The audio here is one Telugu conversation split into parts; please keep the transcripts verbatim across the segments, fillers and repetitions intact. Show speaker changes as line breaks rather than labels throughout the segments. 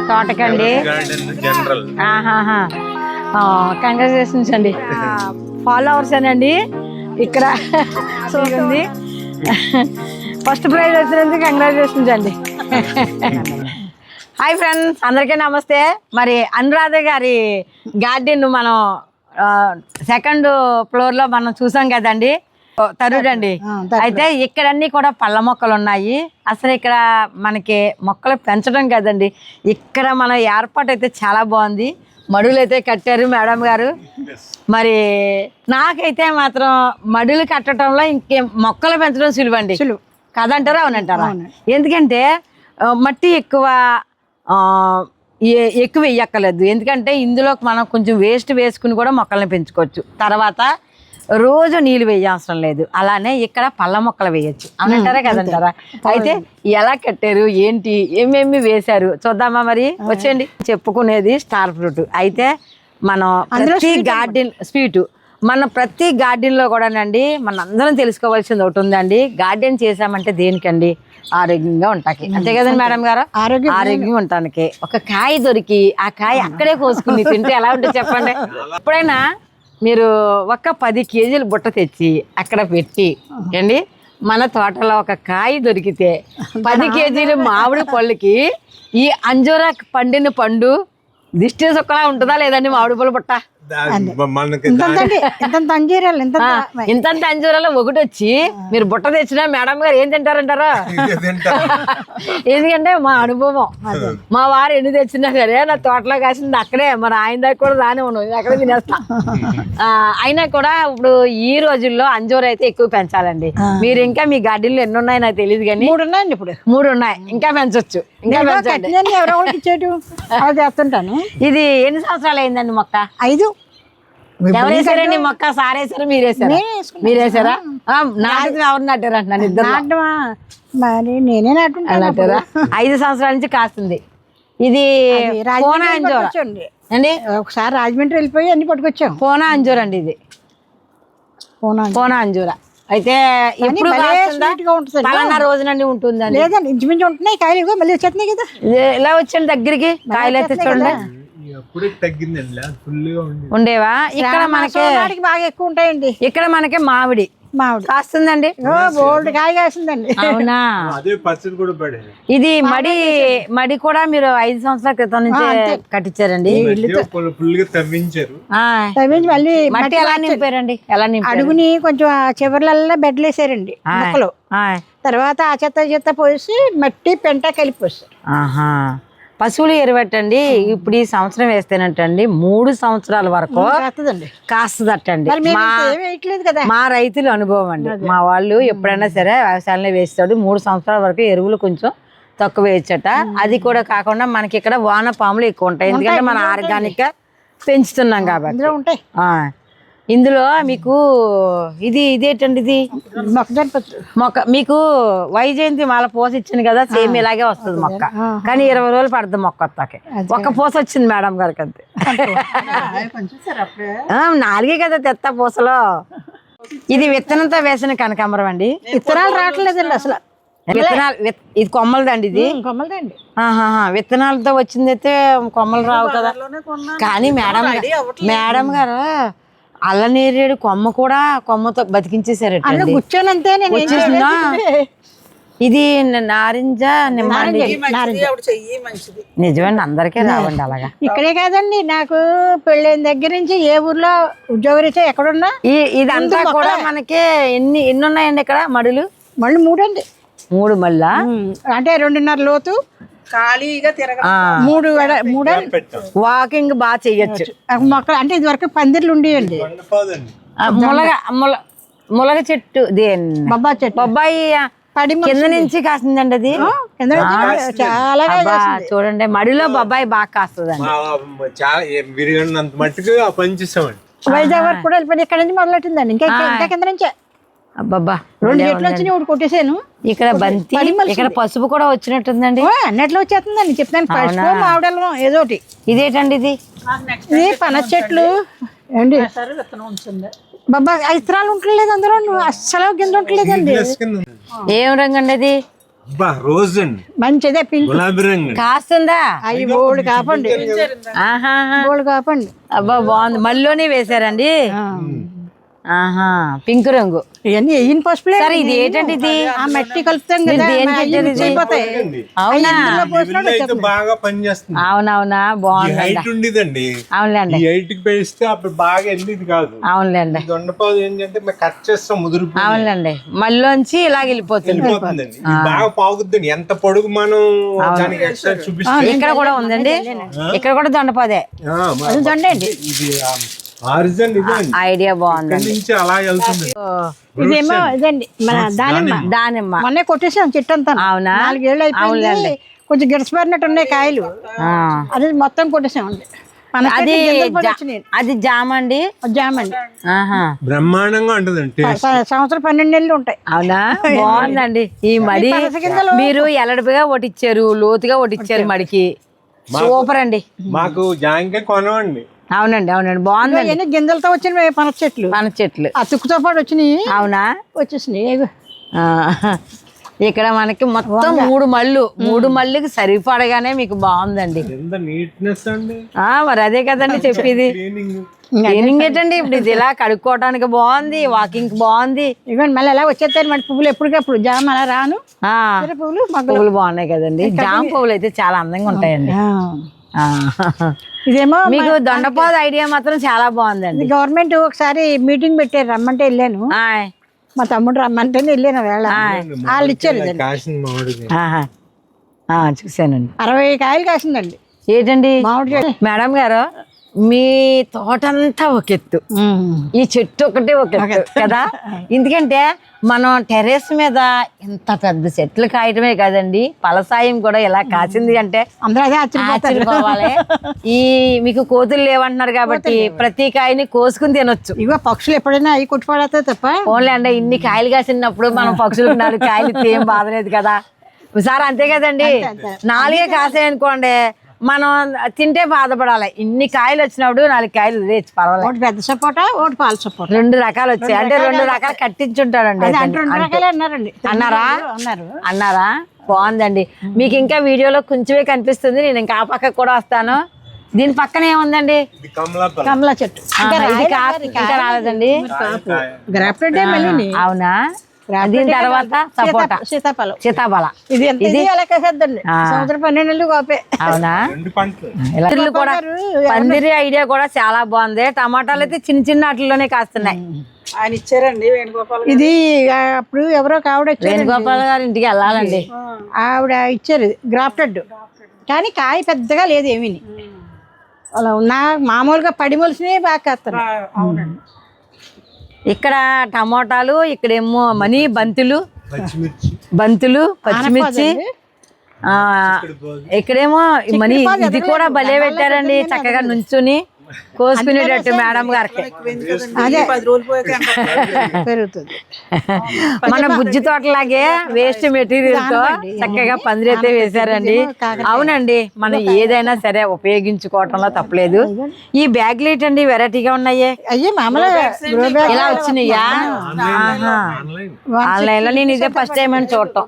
తోటకండి. కంగ్రాచులేషన్స్ అండి. ఫాలోవర్స్ అండి ఇక్కడ ఉంది. ఫస్ట్ ప్రైజ్ వచ్చినందుకు కంగ్రాచులేషన్స్ అండి. హాయ్ ఫ్రెండ్స్, అందరికీ నమస్తే. మరి అనురాధ గారి గార్డెన్ మనం సెకండ్ ఫ్లోర్ లో మనం చూసాం కదండి, తరుడు అండి. అయితే ఇక్కడ అన్ని కూడా పళ్ళ మొక్కలు ఉన్నాయి. అసలు ఇక్కడ మనకి మొక్కలు పెంచడం కదండి, ఇక్కడ మన ఏర్పాటు అయితే చాలా బాగుంది. మడులు అయితే కట్టారు మేడం గారు. మరి నాకైతే మాత్రం మడులు కట్టడంలో ఇంకే మొక్కలు పెంచడం సులువండి. సులువు కాదంటారా? అవునంటారా? ఎందుకంటే మట్టి ఎక్కువ ఎక్కువ వేయక్కర్లేదు. ఎందుకంటే ఇందులో మనం కొంచెం వేస్ట్ వేసుకుని కూడా మొక్కల్ని పెంచుకోవచ్చు. తర్వాత రోజు నీళ్ళు వేయవసరం లేదు. అలానే ఇక్కడ పళ్ళ మొక్కలు వేయచ్చు. అవునంటారా కదంటారా? అయితే ఎలా కట్టారు, ఏంటి, ఏమేమి వేశారు చూద్దామా? మరి వచ్చేయండి. చెప్పుకునేది స్టార్ ఫ్రూట్. అయితే మనం ప్రతి గార్డెన్ స్వీటు మన ప్రతి గార్డెన్లో కూడానండి మన అందరం తెలుసుకోవాల్సింది ఒకటి ఉందండి. గార్డెన్ చేసామంటే దేనికండి? ఆరోగ్యంగా ఉంటాకి. అంతే కదండి మేడం గారు? ఆరోగ్యం ఆరోగ్యంగా ఉండటానికి. ఒక కాయ దొరికి ఆ కాయ అక్కడే కోసుకుని తింటే ఎలా ఉంటుంది చెప్పండి? ఎప్పుడైనా మీరు ఒక పది కేజీలు బుట్ట తెచ్చి అక్కడ పెట్టి అండి, మన తోటలో ఒక కాయ దొరికితే పది కేజీలు మామిడి పళ్ళకి ఈ అంజూరా పండిన పండు దిష్టి సుక్కలా ఉంటుందా లేదండి? మామిడి పళ్ళు బుట్ట ఇంత అంజూరాలో ఒకటి వచ్చి మీరు బుట్ట తెచ్చినా మేడం గారు ఏం తింటారంటారా? ఎందుకంటే మా అనుభవం, మా వారు ఎన్ని తెచ్చినా సరే నా తోటలో కాసింది అక్కడే, మరి ఆయన దగ్గర కూడా రానే ఉన్నాం, అక్కడే తినేస్తా. అయినా కూడా ఇప్పుడు ఈ రోజుల్లో అంజూర అయితే ఎక్కువ పెంచాలండి. మీరు ఇంకా మీ గార్డెన్లో ఎన్ని ఉన్నాయి నాకు తెలియదు కానీ మూడు ఉన్నాయండి. ఇప్పుడు మూడు ఉన్నాయి, ఇంకా పెంచొచ్చు. ఇంకా చేస్తుంటాను. ఇది ఎన్ని సంవత్సరాలు అయిందండి మొక్క? ఐదు. ఎవరు వేసారండి మొక్క? సార్ వేసారా మీరేసారా? మీరేసారా? నాటికి ఎవరు నాటారు అంటున్నాను? ఇద్దరు
మరి నేనే నాటారా?
ఐదు సంవత్సరాల నుంచి కాస్తుంది. ఇది పోనా అంజూర అండి.
ఒకసారి రాజమండ్రి వెళ్ళిపోయి అన్ని పట్టుకొచ్చాం.
పోనా అంజూర అండి. ఇది పోనా అంజూర. అయితే ఇప్పుడు పలానా రోజునండి ఉంటుందండి?
లేదండి, ఇంచుమించు ఉంటున్నాయి కాయలు. మళ్ళీ వచ్చేస్తున్నాయి కదా.
ఇలా వచ్చాను దగ్గరికి కాయలు అయితే చూడండి ఉండేవా? ఇక్కడ మనకి
బాగా ఎక్కువ ఉంటాయండి.
ఇక్కడ మనకి మామిడి
మామిడి
కాస్తుందండి.
బోల్డ్ కాయ కాసిందండి.
అవునా? ఇది మడి మడి కూడా మీరు ఐదు సంవత్సరాల క్రితం నుంచి కట్టించారండి.
మళ్ళీ
మట్టి ఎలా నింపారండి? ఎలా నింపారు?
అడుగుని కొంచెం చివర్లలో బెడ్లు వేసారండి మొక్కలు. తర్వాత ఆ చెత్త చెత్త పోసి మట్టి పెంట కలిపి పోసారు.
ఆహా. పశువులు ఎరువట్టండి. ఇప్పుడు ఈ సంవత్సరం వేస్తేనంటండి మూడు సంవత్సరాల వరకు కాస్తుందటండి. మా రైతుల అనుభవం అండి. మా వాళ్ళు ఎప్పుడైనా సరే వ్యవసాయంలో వేస్తాడు. మూడు సంవత్సరాల వరకు ఎరువులు కొంచెం తక్కువ వేయచ్చట. అది కూడా కాకుండా మనకి ఇక్కడ వాన పాములు ఎక్కువ ఉంటాయి. ఎందుకంటే మన ఆర్గానిక్ గా పెంచుతున్నాం కాబట్టి
ఉంటాయి.
ఇందులో మీకు ఇది ఇదేంటండి? ఇది మొక్క మీకు వైజయంతి మాల పూస ఇచ్చింది కదా, సేమ్ ఇలాగే వస్తుంది మొక్క. కానీ ఇరవై రోజులు పడుతుంది మొక్క వస్తాకి. ఒక్క పూస వచ్చింది మేడం గారికి అంతే. నాలుగే కదా తెత్త పూసలో. ఇది విత్తనంతో వేసిన కనకాంబరం అండి.
విత్తనాలు రావట్లేదండి అసలు.
విత్తనాలు ఇది కొమ్మలదండి. ఇది
కొమ్మలదండి.
విత్తనాలతో వచ్చింది అయితే కొమ్మలు రావు కదా. కానీ మేడం మేడం గారు అల్లనేరేడు కొమ్మ కూడా కొమ్మతో బతికించేసారట. ఇది నారింజ నిజమండి, అందరికీ రావండి అలాగా.
ఇక్కడే కాదండి, నాకు పెళ్ళైన దగ్గర నుంచి ఏ ఊర్లో ఉద్యోగరీత్యా ఎక్కడున్నా
ఈ ఇదంతా కూడా మనకి ఎన్ని ఎన్ని ఉన్నాయండి ఇక్కడ మడులు?
మళ్ళీ మూడండి.
మూడు మళ్ళా
అంటే రెండున్నర లోతు, ఖాళీగా తిరగ మూడు మూడు
వాకింగ్ బాగా చెయ్యొచ్చు.
మొక్కలు అంటే ఇది వరకు పందిర్లు ఉండేయండి.
ములగ ముల ములగ చెట్టు, బొబ్బాయి చెట్టు, బొబ్బాయి కింద నుంచి కాస్తుందండి. అది
చాలా
చూడండి, మడిలో బొబ్బాయి బాగా కాస్తుందండి.
వైజాగ్ వరకు కూడా వెళ్ళిపోయి ఇక్కడ నుంచి మొదలెట్టిందండి. ఇంకా ఇంకా కింద నుంచే
అబ్బబ్బా
రెండు చెట్లు వచ్చినాయి, ఒకటి కొట్టేసాను.
ఇక్కడ బంతి, ఇక్కడ పసుపు కూడా వచ్చినట్టుందండి.
అన్నట్లు వచ్చేస్తుందండి చెప్తాను. పసుపు మామిడల్లం ఏదో ఒకటి.
ఇదేటండి? ఇది
ఇది పనస చెట్లు అండి. బాబా ఇత్తనాలు ఉండలేదు అందులో, అస్సలు గింజ ఉండలేదండి.
ఏం రంగు అండి అది?
అబ్బా రోజ్ అండి,
మంచిదే పింక్
గులాబీ రంగు అండి.
కాస్తుందా?
అవి బోల్డ్ కాపండి,
ఆహా
బోల్డ్ కాపండి.
అబ్బా బాగుంది. మళ్ళీనే వేసారండి. ఆహా పింక్ రంగు.
ఇవన్నీ వెయ్యిన పసుపులే.
సరే ఇది ఏంటంటే ఇది
ఆ మట్టి కలుపుతాం కదా,
దేనికి
అవి
పెట్టారు ఇది?
అయిపోతాయి.
అవునా?
లెవెల్లో అయితే బాగా పనిచేస్తుంది.
అవునవునా
ఈ
బాగుంది.
హైట్ ఉండేదండి,
అవునులేండి
ఈ హైట్ కి పేస్తే అప్పుడు బాగా వెళ్ళేది కాదు.
అవునులేండి
ఈ దొండపాదు ఏంటంటే మేము కట్ చేస్తాం ముదురుపోయి
అవునులేండి మళ్ళీంచి ఇలాగ వెళ్ళిపోతుంది.
వెళ్ళిపోతుందండి. ఇది బాగా పాగుద్దండి, ఎంత పొడుగు మనం దానికి ఎక్స్ట్రా చూపిస్తాం.
ఇక్కడ కూడా ఉందండి, ఇక్కడ కూడా దొండపోదే.
ఆ, మా-
దొండండి.
ఇది ఆరిజన్ ఇదే అండి,
ఐడియా
ఇక్కడి
బాగుందండి.
నుంచి అలా వెళ్తుంది.
ఇదేమో ఇదండి మన దానిమ్మ.
దానిమ్మ.
మొన్నే కొట్టేసాం చెట్టు అంతా.
అవునా?
నాలుగేళ్ళు అయిపోయింది, కొంచెం గిడసపడినట్టు ఉన్నాయి కాయలు.
ఆ.
అది మొత్తం కొట్టేసామండి. మన
అది జా-
వచ్చినాయి
అది జామ అండి.
జామండి.
ఆహా
బ్రహ్మాండంగా ఉంటుందండి టేస్ట్.
స- సంవత్సరం పన్నెండు నెలలు ఉంటాయి.
అవునా బాగుందండి. ఈ మడి మీరు ఎలడిపిగా ఒటిచ్చారు, లోతుగా ఒటిచ్చారు మడికి. సూపర్ అండి.
మాకు జాంకాయ కొనవండి.
అవునండి అవునండి బాగుందండి.
ఇవన్నీ గింజలతో వచ్చినవి పనస చెట్లు,
మన చెట్లు.
ఆ తుక్కుతో పాటు వచ్చినాయి.
అవునా?
వచ్చేసినాయి. ఇగో.
ఆ, ఇక్కడ మనకి మొత్తం మూడు మళ్ళు మూడు మళ్ళీకి సరిపడగానే మీకు బాగుందండి.
ఎంత నీట్నెస్ అండి,
ఆ మరి అదే కదండి చెప్పేది.
క్లీనింగ్.
క్లీనింగ్ ఏంటండి ఇప్పుడు ఇది ఇలా కడుక్కోవడానికి బాగుంది, వాకింగ్ బాగుంది.
ఇవ్వండి మళ్ళీ ఎలా వచ్చేస్తాయి మన పువ్వులు ఎప్పటికప్పుడు. జామ అలా రాను,
ఆ
ఇతర పువ్వులు మగ్గలు.
పువ్వులు బాగున్నాయి కదండి. జామ పువ్వులు అయితే చాలా అందంగా ఉంటాయండి.
ఆ.
ఆ.
ఇదేమో
మీకు దొండపాదు ఐడియా మాత్రం చాలా బాగుందండి.
గవర్నమెంట్ ఒకసారి మీటింగ్ పెట్టారు, రమ్మంటే వెళ్ళాను.
ఆయ్.
మా తమ్ముడు రమ్మంటే వెళ్ళాను వేళ. వాళ్ళు ఇచ్చారు ఇదండి.
కాసిన మామిడి
ఆహా. ఆ, చూశానండి.
అరవై కాయలు కాసిందండి
ఏంటండి
మామిడి చెట్టు.
మేడం గారు, మీ తోటంతా ఒక ఎత్తు, ఈ చెట్టు ఒకటే ఒక ఎత్తు కదా. ఎందుకంటే మనం టెర్రస్ మీద ఇంత పెద్ద చెట్లు కాయటమే కదండి, పలసాయం కూడా ఇలా కాసింది అంటే
అందరూ అదే ఆశ్చర్యపోతారు.
ఆశ్చర్యపోవాలి. ఈ మీకు కోతులు లేవంటున్నారు కాబట్టి ప్రతి కాయని కోసుకుని తినొచ్చు.
ఇగో పక్షులు ఎప్పుడైనా అవి కొట్టుపడతాయి తప్ప.
ఓన్లీ అంటే ఇన్ని కాయలు కాసినప్పుడు మనం పక్షులకు నాలుగు కాయలు ఇస్తే ఏం బాధలేదు కదా సార్. అంతే కదండి. నాలుగే కాసాయి అనుకోండి, మనం తింటే బాధపడాలి. ఇన్ని కాయలు వచ్చినప్పుడు నాలుగు కాయలు లేచి పర్వాలేదు.
ఒకటి పెద్ద సపోటా, ఒకటి పాల సపోటా,
రెండు రకాలు వచ్చాయి అంటే రెండు రకాలు కట్టించుంటాడండి.
అది అంటే రెండు రకాలే అన్నారండి.
అన్నారా?
అన్నారు.
అన్నారా? బాగుందండి. మీకు ఇంకా వీడియోలో కొంచెమే కనిపిస్తుంది, నేను ఇంకా ఆ పక్కకు కూడా వస్తాను. దీని పక్కన ఏముందండి?
ఇది కమలా పళ్ళ.
కమలా చెట్టు.
ఆహా, ఇది కా- ఇంకా రాలేదండి.
గ్రాఫ్టెడ్ మళ్ళీ.
అవునా? దీని తర్వాత సపోటా,
సీతాఫలం.
సీతాఫల.
ఇది ఎంత ఇది అలా కాసేద్దండి. సంవత్సరం పన్నెండు నెలలు కాపే.
అవునా?
రెండు పంటలు.
ఇలా పందిర్లు కూడా, పందిరి ఐడియా కూడా చాలా బాగుంది. టమాటాలు అయితే చిన్న చిన్న వాటిలోనే కాస్తున్నాయి.
ఆయన ఇచ్చారండి వేణుగోపాల్. ఇది అప్పుడు ఎవరో ఒక ఆవిడ వచ్చారు,
వేణుగోపాల్ గారి ఇంటికి వెళ్ళాలండి.
ఆవిడ ఇచ్చారు గ్రాఫ్టెడ్, కానీ కాయ పెద్దగా లేదు ఏమీ. అలా నా మామూలుగా పడి మొలిసినవి బాగా కాస్తారు.
ఇక్కడ టమోటాలు, ఇక్కడేమో మనీ బంతులు,
పచ్చిమిర్చి,
బంతులు, పచ్చిమిర్చి. ఆ ఇక్కడేమో మనీ. ఇది కూడా భలే పెట్టారండి, చక్కగా నుంచుని కోసుకునేటట్టు మేడం గారికి.
అదే పెరుగుతుంది.
మన బుజ్జి తోటలాగే వేస్ట్ మెటీరియల్ తో చక్కగా పందిరైతే వేశారండి. అవునండి, మనం ఏదైనా సరే ఉపయోగించుకోవటంలో తప్పలేదు. ఈ బ్యాగ్లు ఏంటండి వెరైటీగా ఉన్నాయి?
అయ్యే మామూలుగా
ఇలా వచ్చినాయా? ఆన్లైన్ లో నేను ఇదే ఫస్ట్ టైం అని చూడటం.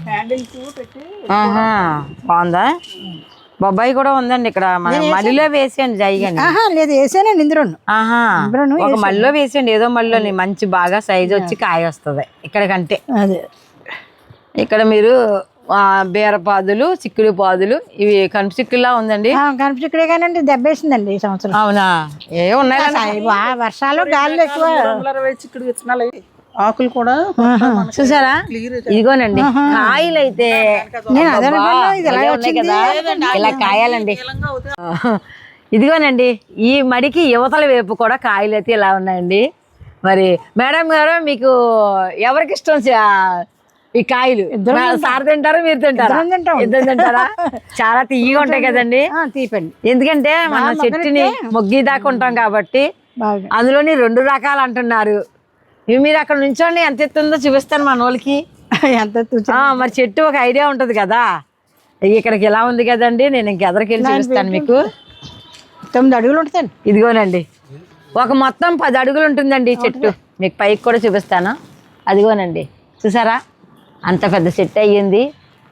ఆహా, బాగుందా? బొబ్బాయి కూడా ఉందండి ఇక్కడ. మన మడిలో వేసేయండి జైగాని.
లేదు వేసానండి ఇందులో.
ఆహా, ఒక మడిలో వేసేయండి, ఏదో మడిలో మంచి బాగా సైజ్ వచ్చి కాయ వస్తుంది ఇక్కడ కంటే.
అదే
ఇక్కడ మీరు బీరపాదులు, చిక్కుడు పాదులు, ఇవి కనుపు చిక్కుడులా ఉందండి.
కనుపు చిక్కుడే కానండి, దెబ్బేసిందండి ఈ సంవత్సరం.
అవునా? ఏ ఉన్నాయి
వర్షాలు గాలి ఎక్కువ. చిక్కుడు విత్తనాలు, ఆకులు కూడా
చూసారా? ఇదిగోనండి కాయలు అయితే కదా, ఇలా కాయాలండి. ఇదిగోనండి ఈ మడికి యువతల వైపు కూడా కాయలు అయితే ఇలా ఉన్నాయండి. మరి మేడం గారు, మీకు ఎవరికి ఇష్టం ఈ కాయలు? సార్ తింటారా, మీరు తింటారా? ఇద్దరు తింటారా? చాలా తీయగా ఉంటాయి కదండి.
తీపండి,
ఎందుకంటే మనం చెట్టుని మొగ్గి దాకా ఉంటాం కాబట్టి. అందులోని రెండు రకాలు అంటున్నారు. ఇవి మీరు అక్కడ నుంచోండి, ఎంత ఎత్తుందో చూపిస్తాను మన వాళ్ళకి.
ఎంత
మరి చెట్టు ఒక ఐడియా ఉంటుంది కదా. ఇక్కడికి ఎలా ఉంది కదండి, నేను ఇంక ఎదరికి వెళ్ళి చూపిస్తాను మీకు.
తొమ్మిది అడుగులు ఉంటాయండి.
ఇదిగోనండి ఒక మొత్తం పది అడుగులు ఉంటుందండి ఈ చెట్టు. మీకు పైకి కూడా చూపిస్తాను. అదిగోనండి చూసారా, అంత పెద్ద చెట్టు అయ్యింది.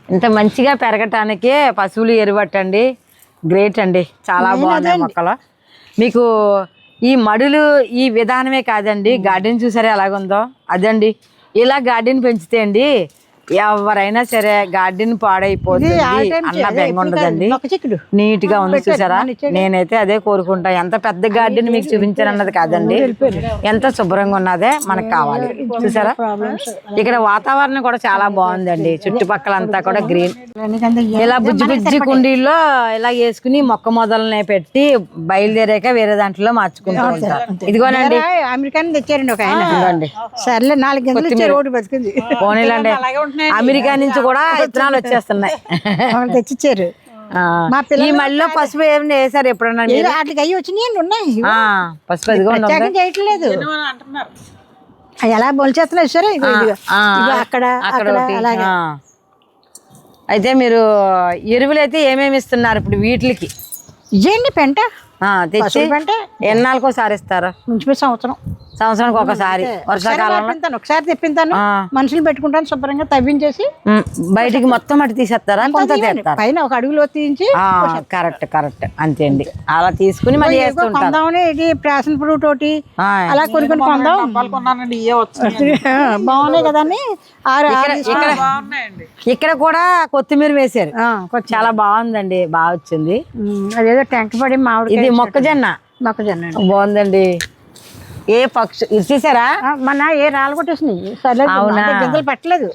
ఇంత మంచిగా పెరగటానికి పశువులు ఎరువట్టండి. గ్రేట్ అండి, చాలా బాగున్నాయి మొక్కలు. మీకు ఈ మడులు ఈ విధానమే కాదండి, గార్డెన్ చూసారా ఎలాగుందో అదండి. ఇలా గార్డెన్ పెంచితే అండి ఎవరైనా సరే గార్డెన్ పాడైపోతుంది అన్న బెంగ ఉండదండి. నీట్ గా ఉంది చూసారా. నేనైతే అదే కోరుకుంటా. ఎంత పెద్ద గార్డెన్ మీకు చూపించాను అన్నది కాదండి, ఎంత శుభ్రంగా ఉన్నదే మనకు కావాలి. చూసారా ఇక్కడ వాతావరణం కూడా చాలా బాగుందండి. చుట్టుపక్కల అంతా కూడా గ్రీన్. ఇలా బుజ్జి బుజ్జి కుండీల్లో ఇలా వేసుకుని మొక్క మొదలనే పెట్టి బయలుదేరాక వేరే దాంట్లో మార్చుకుంటూ ఉంటారు. ఇదిగోనండి
అమెరికా నుంచి తెచ్చారండి ఒక ఆయన. ఇదిగోండి సర్లే నాలుగు గంటలు రోడ్డు బతికింది.
పోనీలండి, అమెరికా నుంచి కూడా విత్తనాలు వచ్చేస్తున్నాయి.
తెచ్చిచ్చారు.
ఈ మళ్ళీ పసుపు ఏమి వేసారు ఎప్పుడన్నా?
వాటికి అయ్యి వచ్చినాయి ఉన్నాయి.
పసుపు అది
చేయట్లేదు, ఎలా బొలిచేస్తున్నాయి సరే. అక్కడ అక్కడ అలాగే.
అయితే మీరు ఎరువులు అయితే ఏమేమి ఇస్తున్నారు ఇప్పుడు వీటికి?
ఇదేండి పెంట
తెచ్చి
పెంట
ఎన్నాళ్ళకోసారి ఇస్తారా?
నుంచి సంవత్సరం
సంవత్సరానికి ఒకసారి వర్షాకాలంలో
ఒకసారి తెప్పింతాను, మనుషులు పెట్టుకుంటాను శుభ్రంగా తవ్వించేసి
బయటికి మొత్తం అటు తీసేస్తారా? కొంత తీస్తారు
పైన ఒక అడుగులో తీయించి.
కరెక్ట్ కరెక్ట్ అంతే అండి. అలా తీసుకుని మళ్ళీ
కొందామని ఇది ప్యాషన్ ఫ్రూట్ ఒకటి అలా కొనుక్కొని కొందాం బాగున్నాయి కదా అని.
ఇక్కడ కూడా కొత్తిమీర వేసారు, చాలా బాగుందండి, బాగా వచ్చింది.
అదేదో టెంక పడి మామిడి.
ఇది మొక్కజొన్న.
మొక్కజొన్న
బాగుందండి. ఏ పక్షి ఇచ్చేసారా?
మన ఏ రాళ్ళు కొట్టేసినాయి. అవునా, గింజలు పట్టలేదు.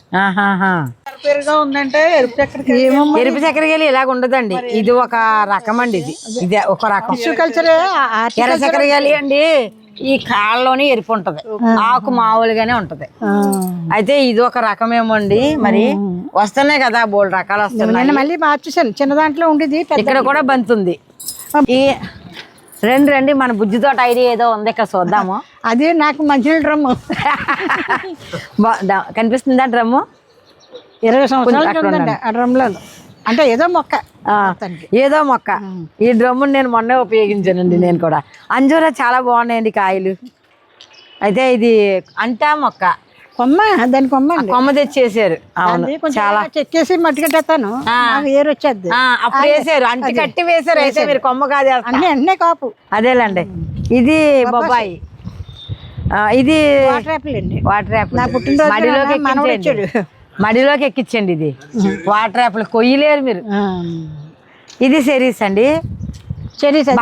ఉందంటే ఎరుపు చక్కెరకేళి ఇలాగ ఉండదండి. ఇది ఒక రకం అండి. ఇది ఇది ఒక రకం
కల్చర్.
ఎర్ర చక్కెరకేళి అండి ఈ కాళ్ళలోనే ఎరుపు ఉంటది, ఆకు మామూలుగానే ఉంటది. అయితే ఇది ఒక రకమేమో అండి. మరి వస్తున్నాయి కదా బోల్డ్ రకాలు వస్తున్నాయి.
మళ్ళీ మార్చేసాను, చిన్న దాంట్లో ఉండేది
ఇక్కడ కూడా బంతుంది. ఈ రండి రండి మన బుజ్జి తోట ఐడియా ఏదో ఉంది ఇక్కడ చూద్దాము.
అది నాకు మంచి డ్రమ్ము
కనిపిస్తుందా? డ్రమ్ము
ఇరవై సంవత్సరాలు ఆ డ్రమ్లో. అంటే ఏదో మొక్క
ఏదో మొక్క. ఈ డ్రమ్ముని నేను మొన్నే ఉపయోగించానండి నేను కూడా. అంజూరా చాలా బాగున్నాయండి కాయలు. అయితే ఇది అంటా మొక్క
కొమ్మ, దాని కొమ్మ
కొమ్మ తెచ్చేసారు. అవును, చాలా
చెక్కేసి మట్టి కట్టేస్తాను, ఏరు వచ్చేది.
అప్పుడు వేసారు, అంటి కట్టి వేసారు. అయితే మీరు కొమ్మ కాదు
అన్నీ అన్నీ కాపు.
అదేలేండి. ఇది బొబ్బాయి, ఇది
వాటర్ యాపిల్ అండి.
Water apple.
నా పుట్టినరోజు
మడిలోకి ఎక్కించండి, మడిలోకి ఎక్కించండి. ఇది వాటర్ యాపిల్ కొయ్యలేరు మీరు. ఇది చెరీస్ అండి,
చెరీస్.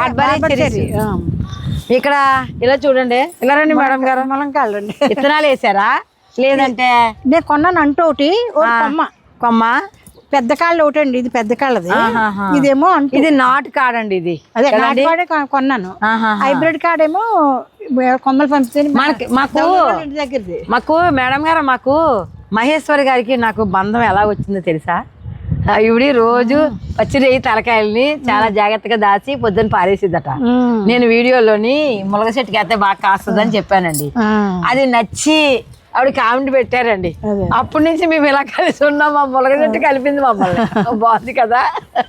ఇక్కడ ఇలా చూడండి. ఇలా రండి మేడం గారు.
ములంకాయలు రండి.
విత్తనాలు వేసారా లేదంటే?
నేను కొన్నాను అంటూ ఒకటి కొమ్మ.
కొమ్మ
పెద్ద కాళ్ళు ఒకటి అండి. ఇది పెద్ద కాళ్ళది, ఇదేమో అంటూ.
ఇది నాటు కాడండి. ఇది
అదే నాటు కాడే కొన్నాను. హైబ్రిడ్ కాడేమో కొమ్మలు పంపితే
మనకి మాకు
ఇంటి దగ్గరది.
మాకు మేడం గారు మాకు మహేశ్వరి గారికి నాకు బంధం ఎలా వచ్చిందో తెలుసా? ఇవిడి రోజు పచ్చిరేయి తలకాయల్ని చాలా జాగ్రత్తగా దాచి పొద్దున్న పారేసిద్దట. నేను వీడియోలోని ములగ చెట్టుకి అయితే బాగా కాస్తుందని చెప్పానండి. అది నచ్చి ఆవిడ కామెంట్ పెట్టారండి. అప్పటి నుంచి మేము ఇలా కలిసి ఉన్నాం. మా ములగ చెట్టు కలిపింది మమ్మల్ని. బాగుంది కదా.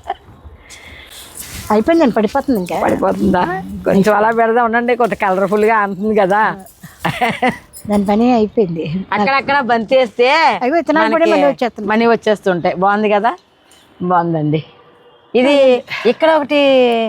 అయిపోయిందండి, పడిపోతుంది. ఇంకా
పడిపోతుందా? కొంచెం అలా పెడదా ఉండండి, కొంత కలర్ఫుల్ గా అంటుంది కదా.
దాని పని అయిపోయింది.
అక్కడక్కడ బంతి వేస్తే మనీ వచ్చేస్తుంటాయి. బాగుంది కదా, బాగుందండి. ఇది ఇక్కడ ఒకటి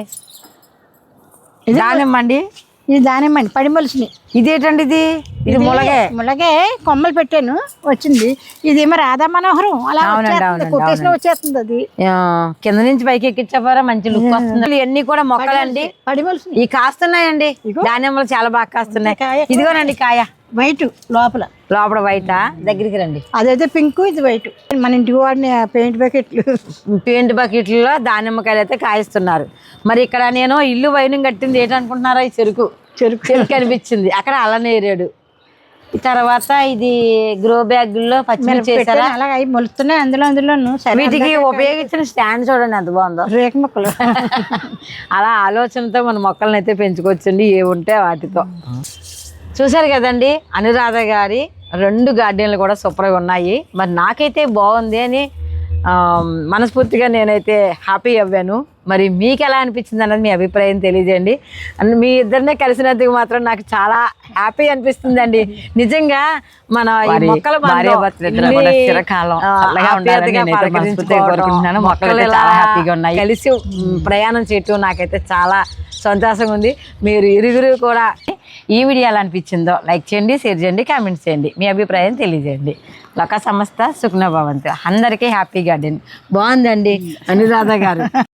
దానిమ్మ అండి.
ఇది దానిమ్మ అండి, పడి మొలిసినాయి.
ఇదేంటండి? ఇది ఇది ములగే.
ములగే కొమ్మలు పెట్టాను, వచ్చింది. ఇదేమో రాధా మనోహరం అలా కొట్టేసిన వచ్చేస్తుంది. అది
కింద నుంచి పైకి ఎక్కించారా మంచి లుక్ వస్తుంది. ఇవన్నీ కూడా మొక్కలండి,
పడి మొలిసినాయి.
ఈ కాస్తున్నాయండి దానిమ్మలు, చాలా బాగా కాస్తున్నాయి. ఇదిగోనండి కాయ
వైట్, లోపల
లోపల వైటా? దగ్గరికి రండి.
అదైతే పింక్, ఇది వైట్. మన ఇంటికి వాడిన పెయింట్ బకెట్లు.
పెయింట్ బకెట్లలో దానిమ్మకాయలు అయితే కాయిస్తున్నారు. మరి ఇక్కడ నేను ఇల్లు వైనం కట్టింది ఏంటనుకుంటున్నారా? ఈ చెరుకు చెరుకు చెరుకు అనిపించింది. అక్కడ అల్లనేరేడు. తర్వాత ఇది గ్రో బ్యాగుల్లో పచ్చిమిర్చి చేశారా?
అలాగే అవి మొలుస్తున్నాయి అందులో అందులో.
వీటికి ఉపయోగించిన స్టాండ్ చూడండి ఎంత బాగుందో.
రేక మొక్కలు.
అలా ఆలోచనతో మన మొక్కలను అయితే పెంచుకోవచ్చండి, ఏ ఉంటే వాటితో. చూసారు కదండి అనురాధ గారి రెండు గార్డెన్లు కూడా సూపర్గా ఉన్నాయి. మరి నాకైతే బాగుంది అని ఆ, మనస్ఫూర్తిగా నేనైతే హ్యాపీ అవ్వాను. మరి మీకు ఎలా అనిపించింది అన్నది మీ అభిప్రాయం తెలియజేయండి. అండ్ మీ ఇద్దరినే కలిసినందుకు మాత్రం నాకు చాలా హ్యాపీ అనిపిస్తుందండి. నిజంగా మన ఈ
వారి
మొక్కల
భార్యాభర్తలిద్దరూ
బంధం
కూడా
ఇన్ని,
చిరకాలం
ఆ,
చల్లగా ఉండాలని
ఆప్యాయతగా
నేనైతే మనస్ఫూర్తిగా
పలకరించుకోవడం,
కోరుకుంటున్నాను. మొక్కలు
మొక్కలు
అయితే
ఇలా
చాలా హ్యాపీగా ఉన్నాయి.
కలిసి మ్, ప్రయాణం చేయటం నాకైతే చాలా సంతోషంగా ఉంది. మీరు ఇరుగురు కూడా ఈ వీడియో ఎలా అనిపించిందో లైక్ చేయండి, షేర్ చేయండి, కామెంట్స్ చేయండి, మీ అభిప్రాయం తెలియజేయండి. లోక సంస్థ సుఖ్న భవంతు. అందరికీ హ్యాపీ గార్డెన్. బాగుందండి అనురాధ గారు.